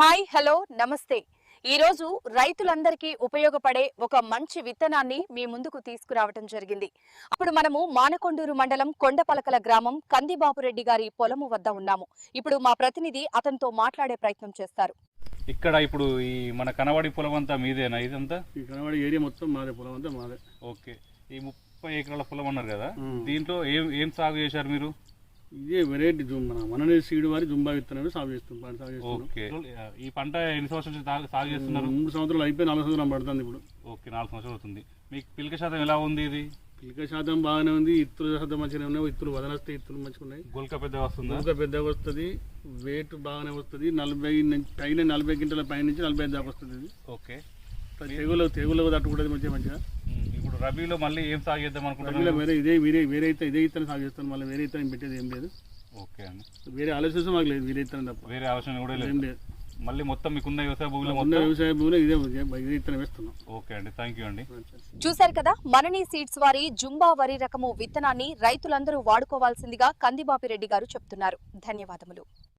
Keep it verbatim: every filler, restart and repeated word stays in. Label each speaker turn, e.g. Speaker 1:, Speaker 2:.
Speaker 1: Hi hello నమస్తే ఈ రోజు రైతులందరికీ ఉపయోగపడే ఒక మంచి విత్తనాన్ని మీ ముందుకు తీసుకురావడం జరిగింది. అప్పుడు మనము మానకొండూరు మండలం కొండపలకల గ్రామం కందిబాపురెడ్డి గారి పొలము వద్ద ఉన్నాము. ఇప్పుడు మా ప్రతినిధి అతనితో మాట్లాడే ప్రయత్నం చేస్తారు.
Speaker 2: ఇక్కడ ఇప్పుడు ఈ మన కనవాడి పొలం అంతా మీదేనా? ఇదంతా
Speaker 3: ఈ కనవాడి ఏరియా మొత్తం మాదే, పొలం అంతా మాదే.
Speaker 2: ఓకే. ఈ ముప్పై ఎకరాల పొలం అన్నారు కదా, దీంట్లో ఏం ఏం సాగు చేశారు మీరు?
Speaker 3: ఇదే వెరైటీ జూమ్ మన మననే సీడ్ వారి జుంబా విత్తనాలు సాగు చేస్తున్నాం సాగు చేస్తున్నాం
Speaker 2: ఓకే. ఈ పంట ఎన్ని సంవత్సరాల నుంచి సాగు- సాగు చేస్తున్నారు?
Speaker 3: మూడు సంవత్సరాలు అయిపోయి నాలుగు సంవత్సరాలు పడుతుంది ఇప్పుడు.
Speaker 2: ఓకే, నాలుగు సంవత్సరాలు అవుతుంది. మీకు పిలక శాతం ఎలా ఉంది? ఇది
Speaker 3: పిలిక శాతం బాగానే ఉంది, ఇత్తుల శాతం మంచిగానే ఉన్నాయి. ఇత్తులు వదనస్తే ఇత్తులు మంచిగా ఉన్నాయి.
Speaker 2: గొల్క పెద్ద వస్తుందా?
Speaker 3: ఇంకా పెద్దగా వస్తుంది, వెయిట్ బాగానే వస్తుంది. నలభై నుంచి పైన నలభై గింటల పై నుంచి నలభై ఐదు దాకా వస్తుంది. ఇది
Speaker 2: ఓకే.
Speaker 3: తెగులు తెగులు తట్టుకుంటుంది మంచిగా మంచిగా.
Speaker 2: ఉమ్, ఇప్పుడు రబీలో మళ్ళీ ఏం సాగు చేద్దాం
Speaker 3: రబీలో
Speaker 2: అనుకుంటున్నారు?
Speaker 3: వేరే ఇదే వేరే వేరే అయితే ఇదే ఇత్తనం సాగు చేస్తాను. మళ్ళీ వేరే ఇత్తనం పెట్టేది ఏం లేదు.
Speaker 2: ఓకే అండి.
Speaker 3: వేరే ఆలోచన మాకు లేదు, వేరే ఇత్తనం తప్ప
Speaker 2: వేరే అవసరం కూడా
Speaker 3: ఏం
Speaker 2: లేదు.
Speaker 3: లేదు.
Speaker 2: మళ్ళీ మొత్తం మీకున్న వ్యవసాయ భూమిలో
Speaker 3: ఉన్న
Speaker 2: మొత్తం
Speaker 3: వ్యవసాయ భూమిలో ఇదే ఇదే ఇత్తనం వేస్తున్నాం.
Speaker 2: ఓకే అండి, థ్యాంక్ యూ అండి.
Speaker 1: చూశారు కదా, మనని సీడ్స్ వారి జుంబా వరి రకము విత్తనాన్ని రైతులందరూ వాడుకోవాల్సిందిగా కందిబాపిరెడ్డి గారు చెప్తున్నారు. ధన్యవాదములు.